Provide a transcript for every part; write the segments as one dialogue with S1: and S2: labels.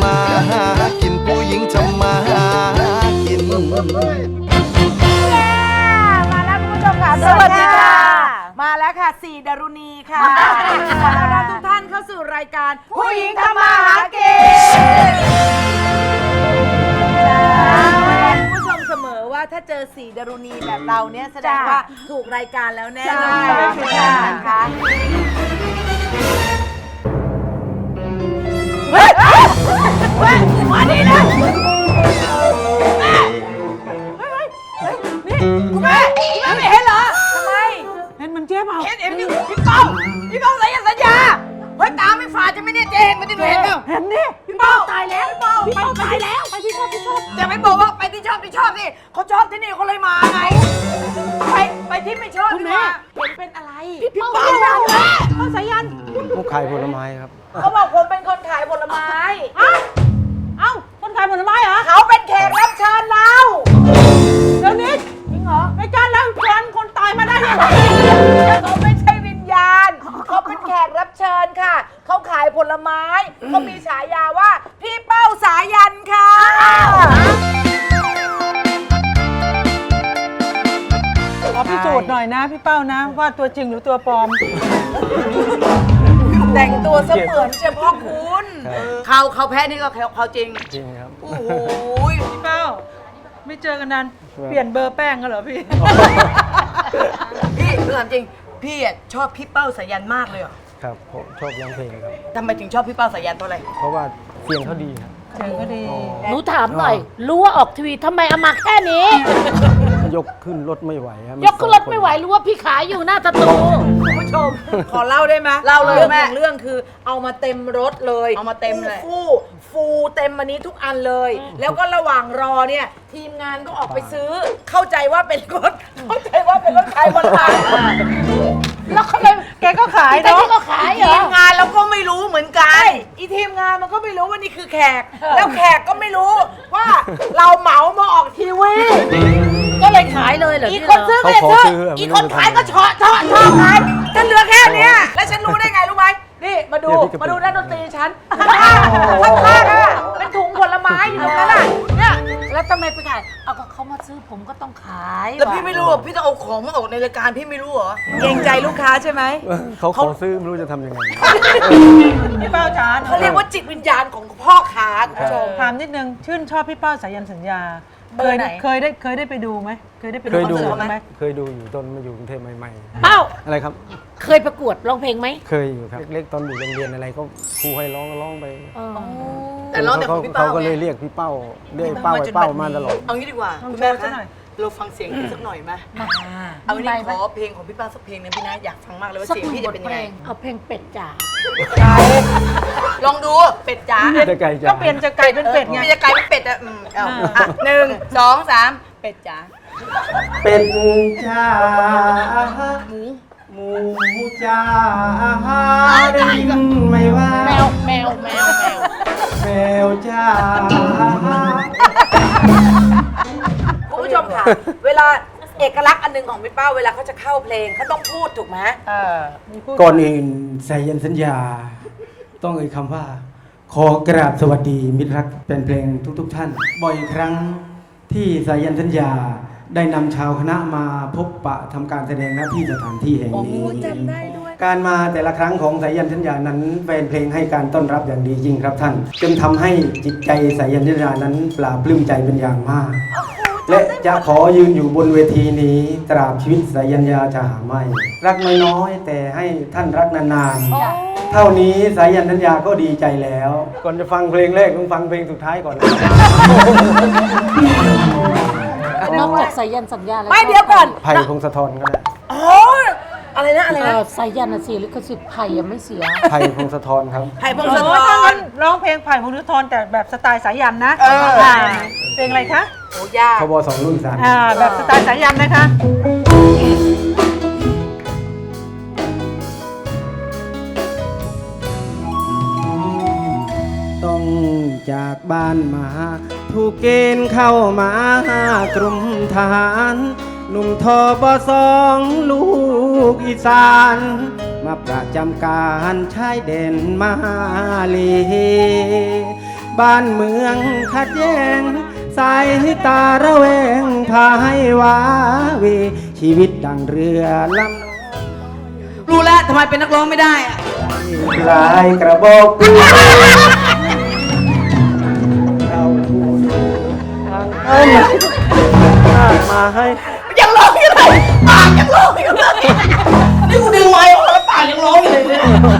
S1: มาหากินผู้หญิงทำมาหากิน
S2: มาแล้วคุณผู้ชมค่ะสวัสดีค่ะมาแล้วค่ะสี่ดารุณีค่ะขอต้อนรับทุกท่านเข้าสู่รายการผู้หญิงทำมาหากินคุณผู้ชมเสมอว่าถ้าเจอสี่ดารุณีแบบเราเนี่ยแสดงว่าถูกรายการแล้วแน่นอนนะคะมาดีนะคุณแม่ไม่เห็นเหรอทำไมเห็นมันเจ๊เปล่าเห็นพี่ป้องสัญญาเฮ้ยตาไม่ฝาดจะไม่เนี่ยเจ๊เห็นมันที่เห็นเปล่าเห็นนี่พี่ป้องตายแล้วพี่ป้องตายแล้วไปที่ชอบจะไม่บอกว่าไปที่ชอบสิเขาชอบที่นี่เขาเลยมาไงไปที่ไม่ชอบคุณแม่เห็นเป็นอะไรพี่ป้องเขาสายัน
S3: ผู้ขายผลไม้ครับ
S2: เขาบอกผมเป็นคนขายผลไม้เอ้าคนขายผลไม้เหรอเขาเป็นแขกรับเชิญเราเดี๋ยวนี้จริงเหรอรายการเราเชิญคนตายมาได้ยังไงเขาไม่ใช่วิญญาณเขาเป็นแขกรับเชิญค่ะเขาขายผลไม้เขามีฉายาว่าพี่เป้าสายันค่ะ
S4: ขอพิสูจน์หน่อยนะพี่เป้านะว่าตัวจริงหรือตัวปลอม
S2: แต่งตัวเสมือนเฉพาะคุณเขาแพ้นี่ก็เขาจริง
S3: จริงครับ
S2: โอ้โห
S4: พี่เป้าไม่เจอกันนานเปลี่ยนเบอร์แป้งกันเหรอพี่
S2: พี่เรื่องจริงพี่ชอบพี่เป้าสายันมากเลยเหรอ
S3: ครับผมชอบร้องเพลงครับ
S2: ทำไมถึงชอบพี่เป้าสายันเพราะอะไร
S3: เพราะว่าเสียงเขาดีครับ
S4: เสียงเขาดี
S5: หนูถามหน่อยรู้ว่าออกทีวีทำไมเอามาแค่นี้
S3: ยกขึ้นรถไม่ไหวครับ
S5: ยกขึ้นรถไม่ไหวรู้ว่าพี่ขายอยู่หน้าสตู
S2: คุณผู้ชมขอเล่าได้ไหมเล่าเลยแม่เรื่องคือเอามาเต็มรถเลยเอามาเต็มเลยฟูเต็มอันนี้ทุกอันเลยแล้วก็ระหว่างรอเนี่ยทีมงานก็ออกไปซื้อเข้าใจว่าเป็นรถขายบนทาง
S5: แล้วเขาเลย
S4: แกก็ขายเนาะ
S5: ก็ขายเหรอ
S2: ทีมงานเราก็ไม่รู้เหมือนกันอีทีมงานมันก็ไม่รู้ว่านี่คือแขกแล้วแขกก็ไม่รู้ว่าเราเหมามาออกทีวี
S5: ก็เลยขายเลยเหรอ
S2: อีกคนซื้อก็เลยซื้ออีกคนขายก็ชอขายฉันเหลือแค่เนี้ยแล้วฉันรู้ได้ไงรู้ไหมนี่มาดูด้านดนตรีฉันข้างเป็นถุงผลไม้อยู่ตรงนั้นน่ะเนี่ย
S5: แล้วทำไมไปขายเอาก็เขามาซื้อผมก็ต้องขาย
S2: แล้วพี่ไม่รู้พี่ต้องเอาของมาออกในรายการพี่ไม่รู้เหรอเกรงใจลูกค้าใช่ไหม
S3: เขาขอซื้อไม่รู้จะทำยังไง
S4: พี่เป้าจ๋า
S2: เขาเรียกว่าจิตวิญญาณของพ่อค้าคุณผู้ชม
S4: ถามนิดนึงชื่นชอบพี่เป้าสายันสัญญาเคยได้ไปดูไหมเคยได้ไปดูคอนเสิร์ตไหม
S3: เคยดูอยู่ตอนมาอยู่กรุงเทพใหม่
S5: ๆเป้า
S3: อะไรครับ
S5: เคยประกวดร้องเพลงไหม
S3: เคยอยู่ครับเล็กๆตอนอยู่โรงเรียนอะไรก็ครูให้ร้องไป
S2: แต่ร้องแต่ของพี่เป้า
S3: เขาก็เลยเรียกพี่เป้าเรียกเป้ามาตลอด
S2: เอางี้ดีกว่าคุณแม่คะเราฟังเสียงสักหน่อยไหมเอาวันนี้ขอเพลงของพี่เป้าสักเพลงนึงพี่นะอยากฟังมากเลยว่าเสียงพี่จะเป็นยังไง
S5: เอาเพลงเป็ดจ๋า
S2: ลองดูเป็ดจ๋า
S4: ก็เปลี่ยนจากไก่เป็นเป็ดไง
S2: จะไก่เป็นเป็ดอ่ะ1 2 3เป็ดจ๋า
S3: เป็ดจ๋าหมูจ๋าได้ยินไหมว่า
S5: แมว
S3: แมวจ๋า
S2: คุณผู้ชมค่ะเวลาเอกลักษณ์อันหนึ่งของพี่เป้าเวลาเขาจะเข้าเพลงเขาต้องพูดถูกไหม
S3: ก่อนอื่นสายันสัญญาต้องเอ่ยคำว่าขอกราบสวัสดีมิตรรักเป็นเพลงทุกท่านบ่อยครั้งที่สายันสัญญาได้นำชาวคณะมาพบปะทำการแสดงณที่สถานที่แห่งนี้การมาแต่ละครั้งของสายันสัญญานั้นแฟนเพลงให้การต้อนรับอย่างดีจริงครับท่านจนทำให้จิตใจสายันสัญญานั้นปลาปลื้มใจเป็นอย่างมากและจะขอยืนอยู่บนเวทีนี้ตราบชีวิตสายัญญาจะหาไม่รักน้อยๆแต่ให้ท่านรักนานๆเท่านี้สายัญสัญญาก็ดีใจแล้วก่อนจะฟังเพลงแรกต้องฟังเพลงสุดท้ายก่อน
S5: นอกจากสายันสัญญาแล้ว
S2: ไม่เดี๋ยวก่อน
S3: ไผ่พงศธรก็ได้
S2: อะไรนะ
S5: สายันเสียลิขสิทธิ์ไผ่ยังไม่เสีย
S3: ไผ่พงศธรครับ
S2: ไผ่พงศธร
S4: ร้องเพลงไผ่พงศธรแต่แบบสไตล์สายันนะเพลงอะไรคะ
S2: โอ้ยาก
S3: ทบ2 รุ่น
S4: 3แบบสไตล์สายันนะคะ
S3: ต้องจากบ้านมาถูกเกณฑ์เข้ามากรมทหารหนุ่มทบ2ลูกอีสานมาประจำการชายแดนมาเลบ้านเมืองขัดแย้งสายตาระแวงพาให้ว้าเวชีวิตดังเรือลำ
S2: รู้แล้วทำไมเป็นนักร้องไม่ได้อะ
S3: ลายกระบอกปืนเราทูลทางเอามาให้
S2: ยังร้องอยู่เลยปากยังร้องอยู่เลยนี่กูดึงไม้ออกแล้วปากยังร้องอยู่เลยเนี่ย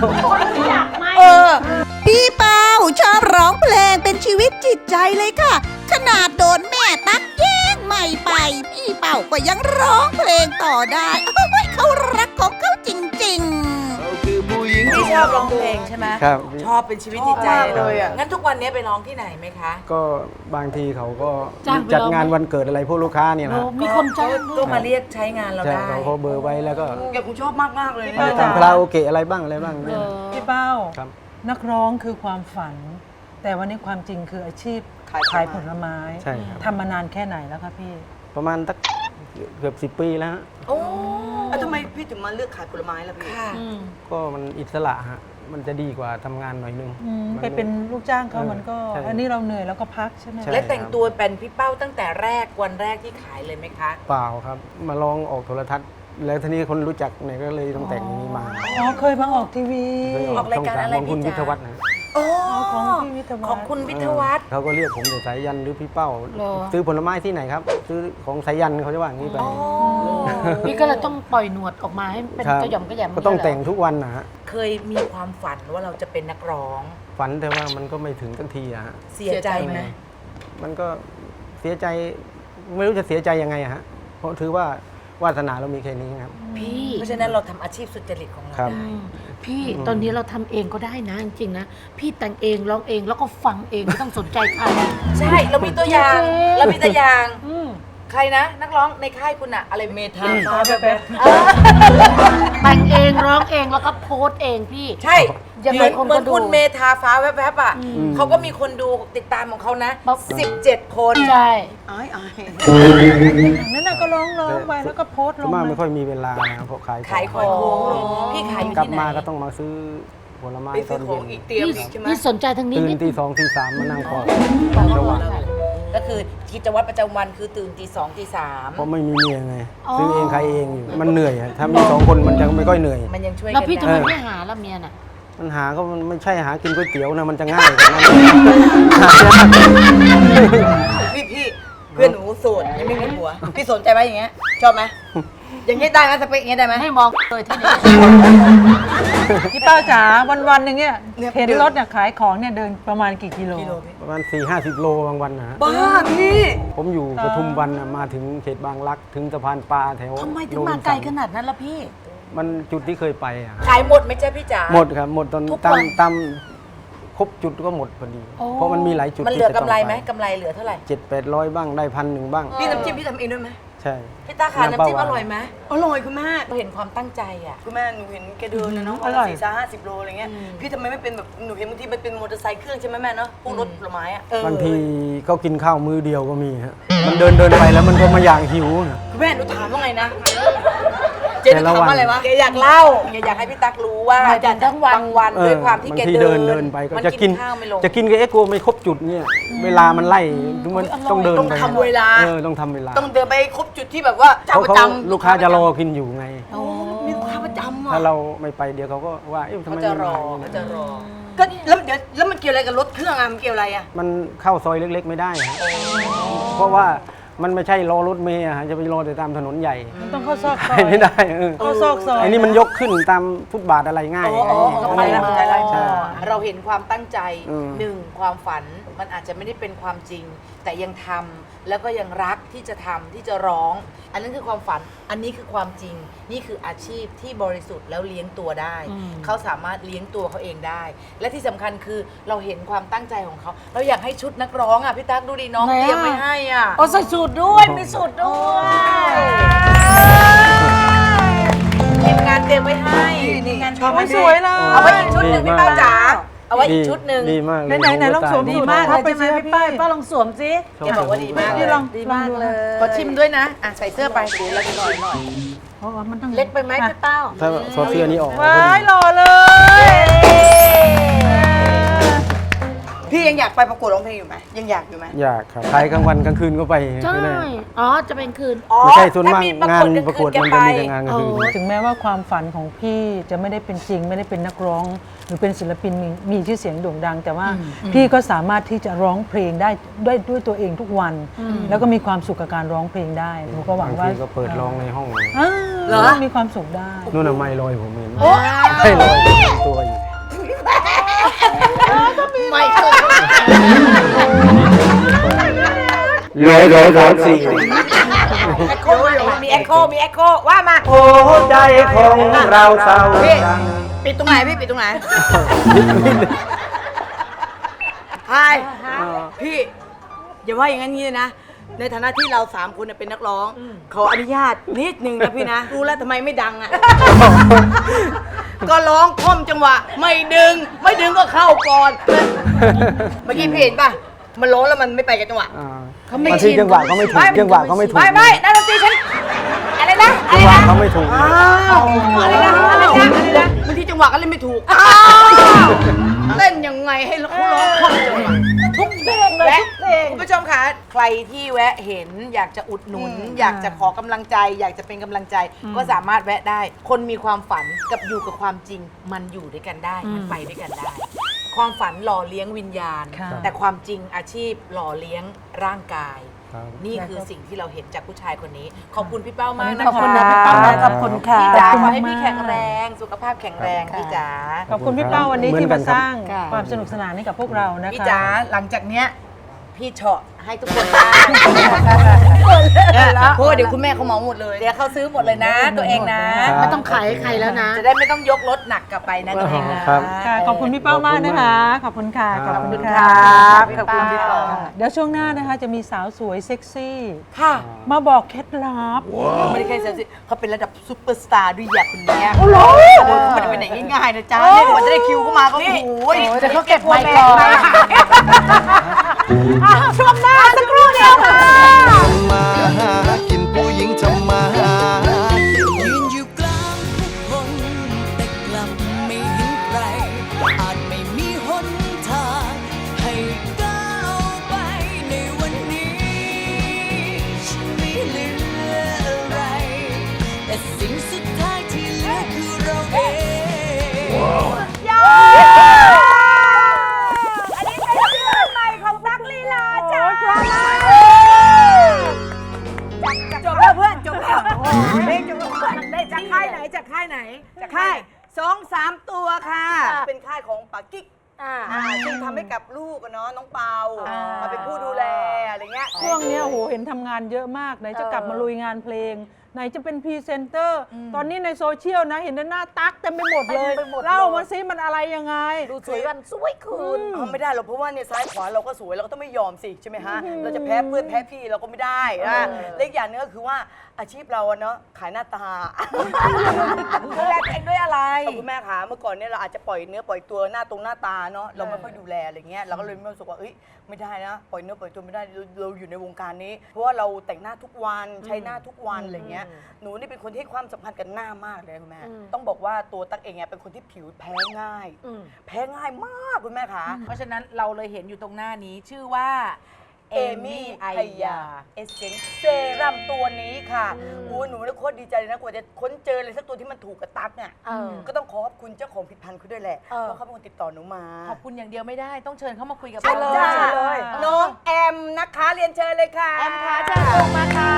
S6: พี่เป้าชอบร้องเพลงเป็นชีวิตจิตใจเลยค่ะ ขนาดโดนแม่ตักแย่งใหม่ไป พี่เป้าก็ยังร้องเพลงต่อได้โอ้ยเขารักของเขาจริงๆ
S1: เราคือผู้หญิง
S2: พี่ชอบร้องเพลงใช่ไหม
S3: ครับ
S2: ชอบเป็นชีวิตจิตใจ
S3: ชอบมาก
S2: เล
S3: เลย ย
S2: อ่ะ
S3: อะ
S2: งั้นทุกวันนี้ไปร้องที่ไหนไหมคะ
S3: ก็บางทีเขาก็
S5: จ้างไป
S3: จัด
S5: ร้อง
S3: งานวันเกิดอะไรพวกลูกค้าเนี่ยนะ
S5: มีคนจ้างด้
S2: ก็
S5: วย
S2: มาเรียกใช้งานเรา
S3: ใช่
S2: ได้
S3: เขาเบอร์ไว้แล้วก็
S2: แกคงชอบมากๆเลย
S4: เออ
S3: ทำคาราโอเกะอะไรบ้างอะไรบ้าง
S5: เอ
S3: เนี่ย
S5: อ
S4: พี่เป้า
S3: ครับ
S4: นักร้องคือความฝัน แต่วันนี้ความจริงคืออาชีพขายผลไม้
S3: ใช่ครับ
S4: ทำมานานแค่ไหนแล้วคะพี่
S3: ประมาณสักเกือบ10 ปีแล้วฮะ
S2: โอ้
S7: แล้วทำไมพี่ถึงมาเลือกขายผลไม้ล่ะพี่
S2: ค่ะ
S3: ก็มันอิสระฮะมันจะดีกว่าทำงานหน่อยนึง
S4: ไปเป็นลูกจ้างเขา
S3: เออ
S4: มันก็
S3: ใช่
S4: อันนี้เราเหนื่อยแล้วก็พักใช่ไหม
S3: ใช่
S2: และแต่งตัวเป็นพี่เป้าตั้งแต่แรกวันแรกที่ขายเลยไหมคะ
S3: เปล่าครับ มาลองออกโทรทัศน์ แล้วทีนี้คนรู้จักเนี่ยก็เลยต้องแต่งอย่างนี้มา
S4: อ๋อเคยมาออกทีวี
S3: เคย
S2: ออกรายการอะไร
S3: ของคุณ
S2: พี่
S3: วิ
S2: จ๊ะ
S3: ทยวัฒน์นะ
S2: โอ้
S4: ของพี่วิทยวัฒน์
S2: ของคุณวิทยวัฒน์
S3: เขาก็เรียกผมแต่สายยันหรือพี่เป้า
S5: เหรอ
S3: ซื้อผลไม้ที่ไหนครับ ซื้อของสายยันเขาจะว่าอย่างนี้ไป
S5: พี่ก็เลยต้องปล่อยหนวดออกมาให้เป็น
S3: ครับ
S5: กระหย่อมกระแหยม
S3: ก็ต้อง
S5: ย่า
S3: แต่ง
S5: เยเหร
S3: ทุกวันนะฮะ
S2: เคยมีความฝันว่าเราจะเป็นนักร้อง
S3: ฝันแต่ว่ามันก็ไม่ถึงสักทีอะฮะ
S2: เสียใจไหม
S3: มันก็เสียใจไม่รู้จะเสียใจยังไงอะฮะ เพราะถือว่าวาสนาเรามีแค่นี้ครับ
S5: พี่
S2: เพราะฉะนั้นเราทำอาชีพสุจริตของเรา
S3: ครับ
S2: ได้
S5: พี่ตอนนี้เราทำเองก็ได้นะจริงๆนะ พี่แต่งเองร้องเองแล้วก็ฟังเองไม่ต้องสนใจใคร
S2: ใช่เรามีตัวอย่าง
S5: จริงๆ
S2: เรามีตัวอย่าง
S5: อืม
S2: ใครนะ นักร้องในค่ายคุณอะอะไรเมทาฟ้าแบบ
S5: แต่งเองร้องเองแล้วก็โพสต์เองพี่
S2: ใช่
S5: ยัง
S2: เห
S5: ไง
S2: มือน
S5: คน
S2: เหมื
S5: ก็
S2: อน
S5: ดู
S2: คุณเมทาฟ้าแวบๆอ่ะเขาก็มีคนดูติดตามของเขานะ
S5: ปั๊บ
S2: 17 คน
S5: ใช่
S7: อ้าย
S4: นั่นน่ะก็ร้องไปแล้วก็โพสต์ล
S3: ส่ว
S4: ง
S3: นมาก
S4: มา
S3: ไม่ค่อยมีเวลานะเพราะขาย
S2: ขายของพี่ขายอยู่
S3: กลับ
S2: ที่ไหน
S3: มาก็ต้องมาซื้อผลไม้
S7: ไป
S3: ต
S7: ซื้
S3: อ
S7: อน ของ
S3: เย็
S7: อี
S3: น
S7: กเตรียม
S5: พี่
S7: ใช่ไหม
S5: พี่สนใจทางนี้
S3: ตื่น
S5: นิด
S3: ตี 2 ตี 3มานั่งก่อนระหว่าง
S2: ก็คือกิจวัตรประจำวันคือตื่นตี2ตี
S3: เพราะไม่มีเมียไงซื้อเองขายเองอยู่มันเหนื่อยอะถ้ามี2 คนมันจะไม่ค่อยเหนื่อย
S2: 3มันยังช่วย
S5: แล้ว
S2: กัน
S5: พี่ทำ
S2: ได้
S5: ไมไม่หาละเมียน่ะ
S3: มันหาก็มันไม่ใช่หากินก๋วยเตี๋ยวนะมันจะง่ายกว่านั้น
S7: พี่เพื่อนหนูโสดยังไม่มีผัว พี่สนใจไหมอย่างเงี้ย ชอบไหม อย่างเงี้ยได้ไหมสเปคอย่างเงี้ยได้ไหม
S5: ให้มองเลยที่นี่
S4: พี่เป้าจ๋าวันๆหนึ่งเนี่ย
S7: เนี่ย
S4: เห็นรถเนี่ยขายของเนี่ยเดินประมาณกี่กิโล
S3: ประมาณ4-50 โลบางวันนะฮะ
S7: บ้าพี่
S3: ผมอยู่ปทุมวันน่ะมาถึงเขตบางรักถึงสะพานปลาแถว
S5: ทำไมถึงมาไกลขนาดนั้นล่ะพี่
S3: มันจุดที่เคยไปอะ
S2: ขายหมดไหมจ๊ะพี่จ๋า
S3: หมดครับหมดตอน
S2: ทุก
S3: ตา
S2: วั
S3: ม
S2: น
S3: ตามครบจุดก็หมดพอดี
S5: โอ้
S3: เพราะมันมีหลายจุด
S2: มันเหลือ
S3: ที่จะ
S2: กำไร
S3: ต้ง
S2: ไหม
S3: ป
S2: กำไรเหลือเท่าไหร่
S3: 700-800 บ้างได้1,000บ้าง
S7: พี่น้ำจิ้มพี่ทำเองด้วยไหม
S3: ใช่
S2: พี่ตาขาน้ำจิ้มอร่อยไหม
S7: อร่อยคุณแม่
S2: เราเห็นความตั้งใจอ่ะ
S7: คุณแม่หนูเห็นแกเดินนะเนาะ
S4: อร่อย
S7: 40-50 โลอะไรเงี้ย พี่ทำไมไม่เป็นแบบหนูเห็นบางทีมันเป็นมอเตอร์ไซค์เครื่องใช่ไหมแม่เนาะพวกรถผลไม้อะ
S3: บางทีก็กินข้าวมื้อเดียวก็มีฮะมันเดินไปแล้วมันก็มาอย่างหิวนะ
S7: คุณแม่หนูถามว่าไงนะ เจ๊หนูถามว่าอะไรวะ
S2: แกอยากเล่าแกอยากให้พี่ตักรู้ว่า
S5: มาจากทั้งวัน
S2: บางวันด้วยความที่แก
S3: บางที
S2: เดิน
S3: เดินไปก็
S2: มัน
S3: จะกิน
S2: ข้าวไม่ลง
S3: จะกินกับเอ็กโกไม่ครบจุดเนี่ยเวลามันไล่มันต้องเดิน
S7: ต้อง
S3: ไป
S7: ทำเวลา
S3: ต้องทำเวลา
S7: ต้องเดินไปครบจุดที่แบบว่าเจ้า
S3: เขา
S7: ประ
S3: เขา
S7: จำ
S3: ลูกค้าจะรอกินอยู่ไง
S7: มีลูกค้าประจำ
S3: ถ้า
S7: อ่ะ
S3: เราไม่ไปเดี๋ยวเขาก็ว่าเอ๊ะทำ
S2: เขา
S3: ไม
S2: จะ
S3: ไม่
S2: รอ
S3: มา
S2: เขาจะรอ
S7: ก็แล้วเดี๋ยวแล้วมันเกี่ยวอะไรกับรถเครื่องอ่ะมันเกี่ยวอะไรอ่ะ
S3: มันเข้าซอยเล็ก ๆ ไม่ได้ฮะเพราะว่ามันไม่ใช่รอรถเมล์อะฮะจะไปรอแต่ตามถนนใหญ่
S4: มันต้องเข้าซอกซ
S3: ไป
S4: อย
S3: ไม่ได้
S4: เข้าซอกซอย
S3: ไอ้นี่มันยกขึ้นตามฟุตบาทอะไรง่าย
S7: ก็ไปแล้วใจไร
S3: ใช่
S2: เราเห็นความตั้งใจ
S3: อืม
S2: หนึ่งความฝันมันอาจจะไม่ได้เป็นความจริง แต่ยังทำแล้วก็ยังรักที่จะทำที่จะร้อง อันนั้นคือความฝันอันนี้คือความจริง นี่คืออาชีพที่บริสุทธิ์แล้วเลี้ยงตัวได้ เขาสามารถเลี้ยงตัวเขาเองได้ และที่สำคัญคือเราเห็นความตั้งใจของเขา เราอยากให้ชุดนักร้องอ่ะพี่ตั๊กดูดิน้อง
S5: ไหนอะ
S2: เตรียมไว้ให้อ่ะ
S5: โอ้ใส่สูตรด้วย มีสูตรด้วย
S2: ทีมงานเตรียมไว้ให้ทีมงานชอบ
S4: โอ้ยสวยเลย
S2: เอาไว้อีกชุดหนึ่งพี่เป้าจ๋าเอาไว้อีกชุดหนึ่ง
S3: ดีมากเลย
S4: ไหนๆลองสวม
S3: ดี
S4: สูตร
S5: มาก
S4: เข้าไป
S5: เลยใช่ไหม
S4: สิ
S5: พี่ป้ายป้าลองสวมสิ
S2: แกบอกว่าดีมาก
S4: พี่ลอง
S5: ดีมากเลย
S2: ขอชิมด้วยนะอ่ะใส่เสื้อไปเดี๋ยวเราจะหน่อย
S4: เพราะว่ามันต้อง
S5: เล็กไปไหมพี่เป้า
S3: ถ้าซอสเสื้อนี้ออก
S4: ว้ายหล่อเลย
S2: ส
S7: พี่ยังอยากไปประกวดร้องเพลงอยู่ไหมยังอยากอยู่ไหม
S3: อยากครับขายกลางวันกลางคืนก็ไป
S5: ใช่
S3: ไม่ได้
S5: อ๋อ จะเป็นคืน
S3: ไม่ใช่ส่วนมากงานประกวดมันจะมีแต่งานกลางคืน
S5: อ๋อ
S4: ถึงแม้ว่าความฝันของพี่จะไม่ได้เป็นจริง ไม่ได้เป็นนักร้อง หรือเป็นศิลปินมีชื่อเสียงโด่งดัง แต่ว่าพี่ก็สามารถที่จะร้องเพลงได้ด้วยตัวเองทุกวัน แล้วก็มีความสุขกับการร้องเพลงได้หนูก็หวั
S3: บาง ง
S4: ว่า
S3: ทีก็เปิดร้องในห้อง
S4: เหรอมีความสุขได้
S3: นู่นน่ะไม่ลอยผมเห็นไม่ลอยตัวอยู่
S7: ไม่เคย
S3: ร้อยสี่
S7: แอคโคมีแอคโคว่ามา
S3: โอ้ใจของเราเศร้า
S7: พี่ ปิดตรงไหนพี่ปิดตรงไหนไฮพี่อย่าว่าอย่างนั้นงี้เลยนะ ในฐานะที่เรา3คนเป็นนักร้อง ขออนุญาตนิดนึงนะพี่นะ รู้แล้วทำไมไม่ดังอ่ะ ก็ร้องคล่อมจังหวะ ไม่ดึงก็เข้าก่อน เมื่อกี้พี่เห็นป่ะ มันร้องแล้วมันไม่ไปกับจังหวะ เขาไม่
S3: บาง
S7: ชิ
S3: ที
S7: น
S3: จังหวะก็ไม่ถูกจังหวะก็ไม่ถูก
S7: ไม่นักดนตรีฉันอะไรนะ
S3: จังหวะเขาไม่ถูก
S7: อะไรนะบางทีจังหวะก็เล่นไม่ถูกเล่นยังไงให้เขาร้องคล่อมจังหวะทุกเพลงเลยทุกเพลงคุณผู้ชมคะใครที่แวะเห็นอยากจะอุดหนุน อยากจะขอกำลังใจ อยากจะเป็นกำลังใจ ก็สามารถแวะได้ คนมีความฝันกับอยู่กับความจริง มันอยู่ด้วยกันได้มันไปด้วยกันได้ ความฝันหล่อเลี้ยงวิญญาณ
S4: ค่ะ
S7: แต่ความจริงอาชีพหล่อเลี้ยงร่างกาย
S3: ครับ
S7: นี่คือสิ่งที่เราเห็นจากผู้ชายคนนี้ ขอบคุณพี่เป้ามากนะ
S4: ขอบคุณ
S7: คะ
S4: นะพี่เป้านะขอบคุณค่ะ
S7: พี่จ๋า
S4: ขอบคุณ
S7: ขอให้พี่
S4: มาก
S7: แข็งแรง สุขภาพแข็งแรงพี่จ๋า
S4: ขอบคุณพี่เป้าวันนี้
S3: เหมือน
S4: ที่
S3: กั
S4: มาน
S3: ครับ
S4: สร้างความสนุกสนานให้กับพวกเรานะคะ
S7: พี่จ๋าหลังจากเนี้ยพี่เฉาะให้ทุกคนได้เพราะว่าเดี๋ยวคุณแม่เขาเหมาหมดเลย เดี๋ยวเขาซื้อหมดเลยนะ ตัวเองนะ
S5: ไม่ต้องขายให้ใครแล้วนะ
S7: จะได้ไม่ต้องยกรถหนักกลับไปนะตัวเองนะครับ
S4: ค่ะขอบคุณพี่เป้ามากนะคะ ขอบคุณค่ะ
S3: ครับ
S7: ขอบคุณ
S4: ค่ะ
S7: ครับขอบคุณพี่เป้า
S4: เดี๋ยวช่วงหน้านะคะจะมีสาวสวยเซ็กซี่
S7: ค่ะ
S4: มาบอกเคล็ดลับ
S7: ไม่ได้แค่เซลล์เขาเป็นระดับซุปเปอร์สตาร์ด้วยอย่างคนเนี้ยโอ้โหเขาไม่ได้ไปไหนง่ายๆนะจ๊ะเนี่ยกว่าจะได้คิวเข้ามาก็โอ้โห
S5: เดี๋ยวเขาเก็บไมค์ก่อน
S7: ช่วงหน้าสักครู่เดียวค่ะ
S1: มาหากินผู้หญิงทำมาหากิน
S8: ยืนอยู่กลางผู้คนแต่กลับไม่เห็นใคร อาจไม่มีหนทางให้ก้าวไปในวันนี้ ฉันไม่เหลืออะไร แต่สิ่งสุดท้ายที่เหลือคือเราเอง
S7: อันนี้เป็นซิงเกิลใหม่ของตั๊กลีลาจ้าจบแล้วเพื่อนจบแล้วเพลงจบแล้วเพื่อนได้จากค่ายไหนจากค่ายไหนจากค่าย2-3 ตัวค่ะ เป็นค่ายของปากิ๊กซึ่งทำให้กับลูกอะเนาะน้องเปามาเป็นผู้ดูแลอะไรเงี้ย
S4: ช่วงเนี้ยโอ้โหเห็นทำงานเยอะมากไหนจะกลับมาลุยงานเพลง ไหนจะเป็นพรีเซนเตอร์ ตอนนี้ในโซเชียลนะเห็นหน้าตั๊กเต็มไปหมดเลย เล่ามาซิมันอะไรยังไง
S5: ดูสวยวันสวยคืน
S7: ไม่ได้หรอกเพราะว่าเนี่ยซ้ายขวาเราก็สวยเราก็ต้องไม่ยอมสิใช่ไหมฮะเราจะแพ้เพื่อนแพ้พี่เราก็ไม่ได้นะเล็กอย่างนึงก็คือว่าอาชีพเราอะเนาะขายหน้าตาดูแลตัวเองด้วยอะไรคุณแม่คะเมื่อก่อนเนี่ยเราอาจจะปล่อยเนื้อปล่อยตัวหน้าตาเนาะเราไม่ค่อยดูแลอะไรเงี้ยเราก็เลยไม่รู้สึกว่าเอ้ยไม่ได้นะปล่อยเนื้อปล่อยตัวไม่ได้เราอยู่ในวงการนี้ เพราะว่าเราแต่งหน้าทุกวันใช้หน้าทุกวันอะไรเงี้ยหนูนี่เป็นคนที่ให้ความสำคัญกับหน้ามากเลยคุณแม่ต้องบอกว่าตัวตั๊กเองเนี่ยเป็นคนที่ผิวแพ้ง่ายแพ้ง่ายมากคุณแม่คะเพราะฉะนั้นเราเลยเห็นอยู่ตรงหน้านี้ชื่อว่าเอมี่ไอยาเอเซนเซรั่มตัวนี้ค่ะโอ้หนูเนี่ยโคตรดีใจเลยนะกว่าจะค้นเจอเลยสักตัวที่มันถูกกับตั๊กเนี่ยก็ต้องขอบคุณเจ้าของผลิตภัณฑ์เขาด้วยแหละเพราะเขาเป็นคนติดต่อหนูมาขอบคุณอย่างเดียวไม่ได้ต้องเชิญเขามาคุยกับเราเลยน้องแอมนะคะเรียนเชิญเลยค่ะแอมค่ะเชิญลงมาค่ะ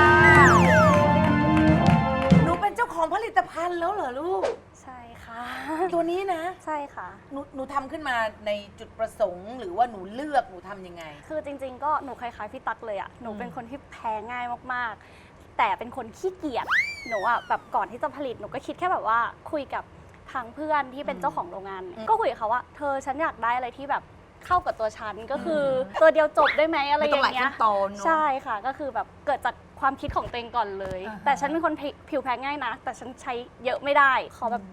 S7: หนูเป็นเจ้าของผลิตภัณฑ์แล้วเหรอลูก
S9: ใช่ค่ะ
S7: ตัวนี้นะ
S9: ใช่ค่ะ
S7: หนูทำขึ้นมาในจุดประสงค์หรือว่าหนูเลือกหนูทำยังไง
S9: คือจริงๆ ก็หนูคล้ายๆพี่ตั๊กเลยอะหนูเป็นคนที่แพ้ง่ายมากๆ แต่เป็นคนขี้เกียจ หนูอะแบบก่อนที่จะผลิตหนูก็คิดแค่แบบว่าคุยกับทางเพื่อนที่เป็นเจ้าของโรงงาน ก็คุยกับเขาว่าเธอฉันอยากได้อะไรที่แบบเข้ากับตัวฉันก็คือตัวเดียวจบได้ไหมอะไรอย่างเงี้ย ใช่ค่ะ ก็คือแบบเกิดจากความคิดของตัวเองก่อนเลย แต่ฉันเป็นคนผิวแพ้ง่ายนะ แต่ฉันใช้เยอะไม่ได้ ขอแบบ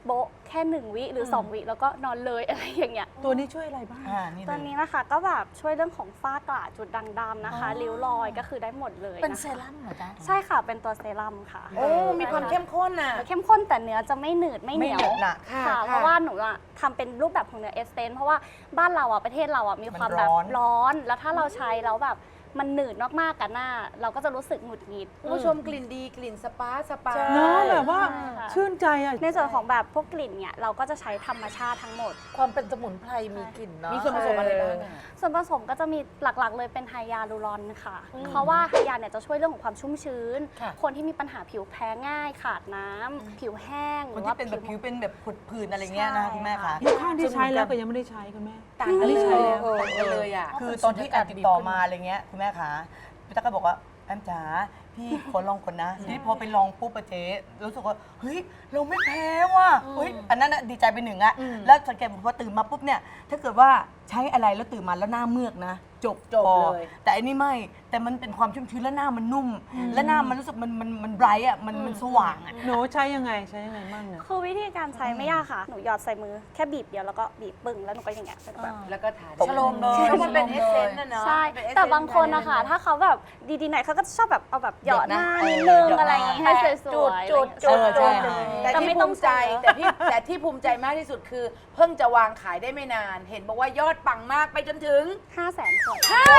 S9: โบะแค่1 วิหรือ 2 วิแล้วก็นอนเลย อะไรอย่างเงี้ย
S4: ตัวนี้ช่วยอะไรบ้าง
S9: ตัวนี้นะคะก็แบบช่วยเรื่องของฝ้ากระจุดด่างดำนะคะริ้วรอยก็คือได้หมดเลย
S5: เป็น
S9: นะคะ
S5: เซรั่มเหรอจ๊ะ
S9: ใช่ค่ะเป็นตัวเซรั่มค่ะ
S2: โอ้มีความเข้มข้นน่ะ
S9: เข้มข้นแต่เนื้อจะไม่หนืดไม่เหนียว
S7: ไม่หนืดน่ะ
S9: ค่ะ
S2: ค่ะ
S9: เพราะว่าหนูอะทำเป็นรูปแบบของเนื้อเอสเตนเพราะว่าบ้านเราอะประเทศเราอะมีความแบบ
S7: มันร้อน
S9: ร้อน แล้วถ้าเราใช้แล้วแบบมันหนืดมากๆกับหน้า เราก็จะรู้สึกหงุดหงิด
S2: คุณผู้ชมกลิ่นดีกลิ่นสปาสปา
S4: เนาะแบบว่า
S9: ใช่ค่ะ
S4: ชื่นใจอ่ะ
S9: ในส่วนของแบบพวกกลิ่นเนี่ยเราก็จะใช้ธรรมชาติทั้งหมด
S5: ความเป็นสมุนไพรมีกลิ่นเนาะ
S2: มีส่วนผสมอะไรบ้างอะ
S9: ส่วนผสมก็จะมีหลักๆ เลยเป็นไฮยาลูรอนค่ะ เพราะว่าไฮยาเนี่ยจะช่วยเรื่องของความชุ่มชื้น
S2: ค่ะ
S9: คนที่มีปัญหาผิวแพ้ง่ายขาดน้ำผิวแห้งห
S7: คน
S9: รือ
S7: ที่
S9: ว่า
S7: เป็นแบบผิวเป็นแบบผดผื่นอะไรเงี้ยนะคะคุณแม่คะ
S4: มีข้างที่ใช้แล้วก็ยังไม่ได้ใช้คุณแม่
S2: ต่างกัน
S4: อันนี้ใช้แล้ว
S2: ต่างกันเลยอ่ะ
S7: คือตอนที่แอมติดต่อมาอะไรเงี้ยคุณแม่คะพี่ตั๊กก็บอกว่าแอมจ๋าพี่ขอลองก่อนนะทีนี้พอไปลองปุ๊บอะเจ๊รู้สึกว่าเฮ้ยเราไม่แพ้ว่ะเฮ้ยอันนั้นอะดีใจไปหนึ่งอะแล้วสังเกตพอตื่นมาปุ๊บเนี่ยถ้าเกิดว่าใช้อะไรแล้วตื่นมาแล้วหน้าเมือกนะจบ
S2: จบ
S7: พอ
S2: เลย
S7: แต่อันนี้ไม่แต่มันเป็นความชุ่มชื้นและหน้ามันนุ่ม และหน้ามันรู้สึกมันไบรท์อะมันสว่างอะ
S4: หนูใช้ยังไงใช้ยังไงบ้างเนี่ย
S9: คือวิธีการใช้ไม่ยากค่ะ หนูหยอดใส่มือแค่บีบเดียวแล้วก็บีบปึ้งแล้วหนูก็อย่างเงี้ยเป็นแบบ
S2: แล้วก็ทา
S7: ชโลมเลย
S2: เพราะมันเป็นเอสเซนต์นะเนาะ
S9: ใช่
S2: เป็น essence
S9: แต่บางคนนะคะถ้าเขาแบบดีๆหน่อยเขาก็จะชอบแบบเอาแบบหยอดหน้านิดนึงอะไรอย่างงี้ให้สวยๆ
S2: จุด
S7: เออใช่
S2: แต่
S9: แต่
S2: ที่
S9: ไม่
S2: ภู
S9: ต้อง
S2: มิใจ
S9: ใช้เยอะ
S2: แต่ที่ภูมิใจมากที่สุดคือ เพิ่งจะวางขายได้ไม่นาน เห็นบอกว่ายอดปังมากไปจนถึง
S9: 500,000 ขวด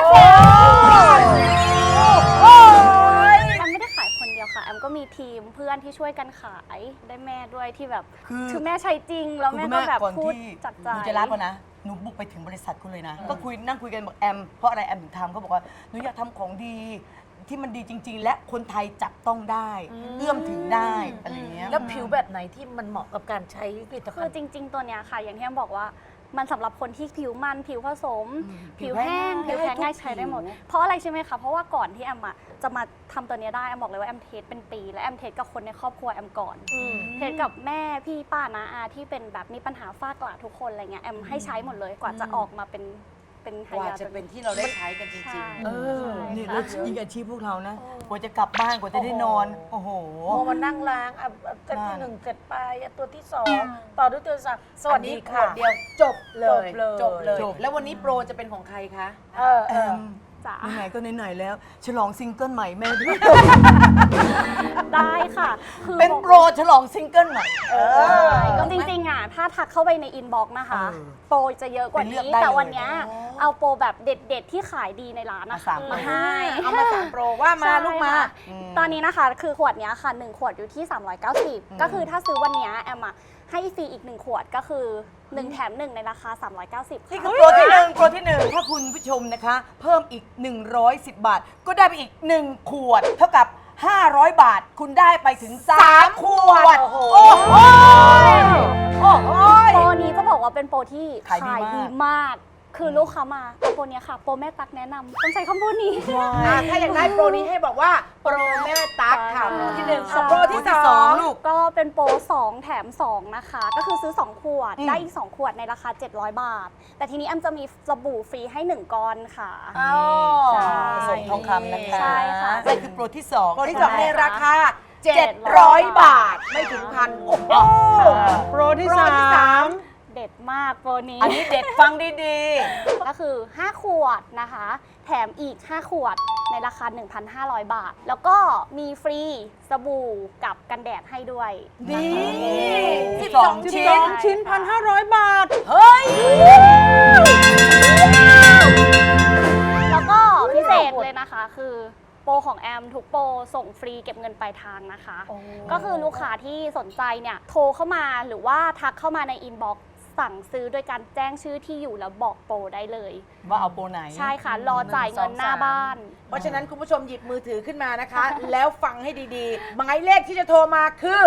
S9: แอมไม่ได้ขายคนเดียวค่ะ แอมก็มีทีมเพื่อนที่ช่วยกันขายได้แม่ด้วยที่แบบ
S7: คือ
S9: แม่ใช้จริง แล้วแม่ก็แบบ
S7: ก่อน
S9: พูด
S7: ที่
S9: จากใจ
S7: หนูจะรับก่อนนะหนูบุกไปถึงบริษัทคุณเลยนะ ก็นั่งคุยกันบอกแอมเพราะอะไรแอมถึงทำเขาบอกว่าหนูอยากทำของดีที่มันดีจริง ๆ และคนไทยจับต้องได้ เอื้อมถึงได้อะไรอย่างเงี้ย
S5: แล้วผิวแบบไหนที่มันเหมาะกับการใช้ผลิต
S9: คื
S5: ภั
S9: อ
S5: ณฑ์
S9: จริง ๆ ตัวเนี้ยค่ะ อย่างที่แอมบอกว่ามันสำหรับคนที่ผิวมันผิวผสม ผิวแห้งผิวแพ้ง่ายใช้ได้หมด เพราะอะไรใช่ไหมคะ เพราะว่าก่อนที่แอมจะมาทำตัวเนี้ยได้แอมบอกเลยว่าแอมเทสเป็นปี และแอมเทสกับคนในครอบครัวแอมก่อน เทสกับแม่พี่ป้าน้าอาที่เป็นแบบมีปัญหาฝ้ากระทุกคนอะไรเงี้ยแอมให้ใช้หมดเลยกว่าจะออกมาเป็นไฮ
S2: กว่าย
S9: า
S2: จะเป็นที่เราได้ใช้กันจริง
S9: ใช่
S2: ๆ
S7: นี่แล้วยิ่งอาชีพพวกเรานะกว่าจะกลับบ้านกว่าจะได้นอนโอ้โห
S5: พอมานั่งล้างเซตที่ 1 เสร็จไปตัวที่ 2 ต่อด้วยตัวที่ 3 สวัสดีค่ะ
S2: อันนี้ขวดเดียวจบเลย
S5: จบเลย
S2: แล้ววันนี้โปรจะเป็นของใครคะ
S7: แอม
S9: จ้ะ
S7: ไหนๆก็ไหนๆแล้ว ฉลองซิงเกิลใหม่แม่ด้วย
S9: ได้ค่ะคือ
S7: เป็นโปรฉลองซิงเกิลใหม่
S9: ก็จริงๆถ้าทักเข้าไปในอินบ็อกซ์นะคะ โปรจะเยอะกว่า
S7: ไปเลือก
S9: นี้
S7: ได้
S9: แต่
S7: เลย
S9: วันเนี้ยเอาโปรแบบเด็ดๆที่ขายดีในร้านนะคะ
S7: มาสาม
S9: มาให้
S2: เอามา3โปรว่ามา
S9: ใช่
S2: ลูกมา
S9: ค่ะตอนนี้นะคะคือขวดเนี้ยค่ะ1 ขวดอยู่ที่ 390 ก็คือถ้าซื้อวันเนี้ยแอมให้ฟรีอีก1 ขวดก็คือ 1 แถม 1 ในราคา 390
S7: นี่
S9: ค่ะ
S7: คือโปรที่หนึ่งโปรที่หนึ่งถ้าคุณผู้ชมนะคะ เพิ่มอีก 110 บาท ก็ได้ไปอีก 1 ขวด เท่ากับ 500 บาท คุณได้ไปถึง 3 ขวด โอ้โห
S9: โปรนี้จะบอกว่าเป็นโปรที่
S7: ขายดีมาก
S9: ดีมาก คือลูกค้ามาเอาโปรเนี้ยค่ะ โปรแม่ตักแนะนำต้องใช้คำพูดนี้
S2: ถ้าอยากได้โปรนี้ให้บอกว่าโปรแม่ตั๊กค่ะโปรที่1กับโปรที่
S7: โปรที่สองลูก
S9: ก็เป็นโปร 2 แถม 2 นะคะ ก็คือซื้อ 2 ขวด ได้อีก 2 ขวดในราคา 700 บาท แต่ทีนี้แอมจะมีสบู่ฟรีให้ 1 ก้อนค่ะ ใช่
S7: ส่งทองคำนะคะ
S9: ใช่ค่ะ
S7: นี่คือโปรที่2
S2: โปรที่2ในราคา 700 บาท ไม่ถึงพันโอ้โห
S4: โปรที่
S2: โปรที่
S4: 3
S9: เด็ดมากโปรนี้
S7: อันนี้เด็ดฟังดี
S9: ก็คือ 5 ขวดนะคะ แถมอีก 5 ขวดในราคา 1,500 บาท แล้วก็มีฟรีสบู่กับกันแดดให้ด้วย
S7: ๆ นี่
S2: 12 ชิ้น
S4: 12 ชิ้น 1,500 บาท
S7: เฮ้ย
S9: แล้วก็พิเศษเลยนะคะคือโปรของแอมทุกโปรส่งฟรีเก็บเงินปลายทางนะคะ ก็คือลูกค้าที่สนใจเนี่ยโทรเข้ามาหรือว่าทักเข้ามาในอินบ็อกซ์สั่งซื้อโดยการแจ้งชื่อที่อยู่แล้วบอกโปรได้เลย ว่าเอาโปรไหน ใช่ค่ะ รอจ่ายเงินหน้าบ้าน
S2: เพราะฉะนั้นคุณผู้ชมหยิบมือถือขึ้นมานะคะ แล้วฟังให้ดีๆ หมายเลขที่จะโทรมาคือ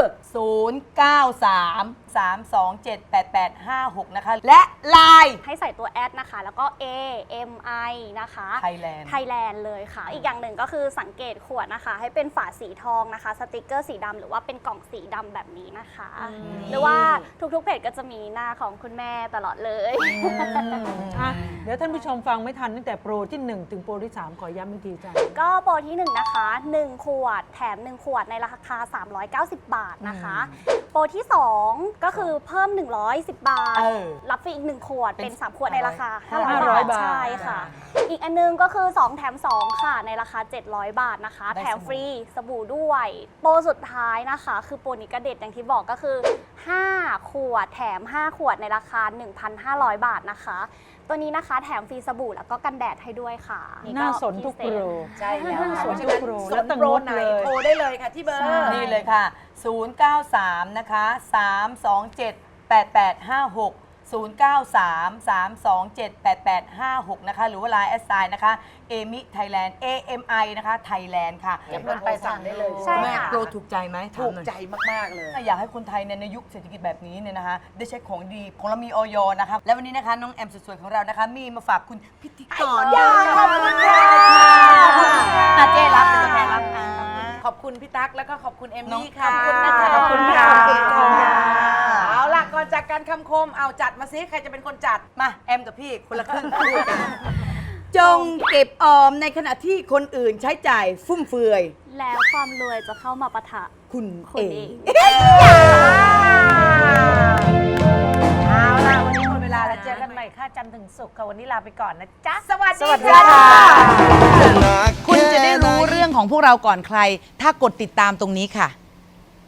S7: 0933278856 นะคะ และไลน์
S9: ให้ใส่ตัวแอดนะคะ แล้วก็ AMI นะคะ
S7: Thailand
S9: ไทยแลนด์เลยค่ะ อีกอย่างหนึ่งก็คือสังเกตขวดนะคะ ให้เป็นฝาสีทองนะคะ สติกเกอร์สีดำหรือว่าเป็นกล่องสีดำแบบนี้นะคะ หรือว่าทุกๆเพจก็จะมีหน้าของคุณแม่ตลอดเลย
S4: อ่ะเดี๋ยวท่านผู้ชมฟังไม่ทันตั้งแต่โปรที่ 1 ถึงโปรที่ 3 ขอย้ำอีกทีจ้ะ
S9: ก็โปรที่ 1 นะคะ 1 ขวดแถม 1 ขวดในราคา 390 บาทนะคะ โปรที่ 2 ก็คือเพิ่ม 110 บาท รับฟรีอีก 1 ขวดเป็น 3 ขวดในราคา 500 บาท ใช่ค่ะ อีกอันนึงก็คือ 2 แถม 2 ค่ะ ในราคา 700 บาทนะคะ แถมฟรีสบู่ด้วย โปรสุดท้ายนะคะ คือโปรนี้ก็เด็ดอย่างที่บอกก็คือ 5 ขวดแถม 5 ขวดในราคา 1,500 บาทนะคะ ตัวนี้นะคะแถมฟรีสบู่แล้วก็กันแดดให้ด้วยค่ะ
S4: น่าสนทุกโปร
S7: ใช่แล้ว
S4: สน
S7: เพราะฉะ
S4: ทุก
S7: นั้น
S4: โปร
S7: ส
S4: แล้ว
S7: น
S4: ตั้ง
S7: โปรง
S4: ด
S7: ไหน
S4: เลย
S7: โทรได้เลยค่ะที่เบอร์ นี่เลยค่ะ 093 นะคะ 327 8856 093-327-8856 นะคะ หรือว่า Line แอดไซน์นะคะเอมิไทยแลนด์ AMI นะคะไทยแลนด์ค่ะ
S2: เก็บเงินไปสั่งได้เลย
S9: ใช่
S7: แม่
S9: ค่ะ
S7: โปรถูกใจไหมถาม
S2: ถูก
S7: หน่อย
S2: ใจมาก ๆ เลย
S7: อยากให้คนไทยในยุคเศรษฐกิจแบบนี้เนี่ยนะคะ ได้ใช้ของดีของเรามีออยนะคะ และวันนี้นะคะน้องแอมสวยๆของเรานะคะ มีมาฝากคุณพิธีกรขอบคุณค่ะเจ๊รับเป็นตัวแทนรับ
S2: ขอบคุณพี่ตั๊กแล้วก็ขอบคุณเอม
S7: น้อง
S2: มี่ค่ะ
S7: ขอบคุณนะคะ
S2: ขอบคุณค่ะ
S7: ขอบคุณค่ะ
S2: เอาล่ะก่อนจากการคำคมเอาจัดมาซิใครจะเป็นคนจัด
S7: มาแอมกับพี่คนละครึ่งจงเก็บออมในขณะที่คนอื่นใช้จ่ายฟุ่มเฟือย
S9: แล้วความรวยจะเข้ามาปะทะ
S7: คุณ
S9: คุณ
S7: เอ
S9: เอง ง
S2: เอาล่ะวันนี้หมดเวลาแล้วเจอกันใหม่ค่ะจันทร์ถึงศุกร์ค่ะวันนี้ลาไปก่อนนะจ๊ะ สวัสดีค่ะ
S1: หนัก
S2: คุณจะได้
S1: แค่หน
S2: รู้เรื่องของพวกเราก่อนใคร ถ้ากดติดตามตรงนี้ค่ะ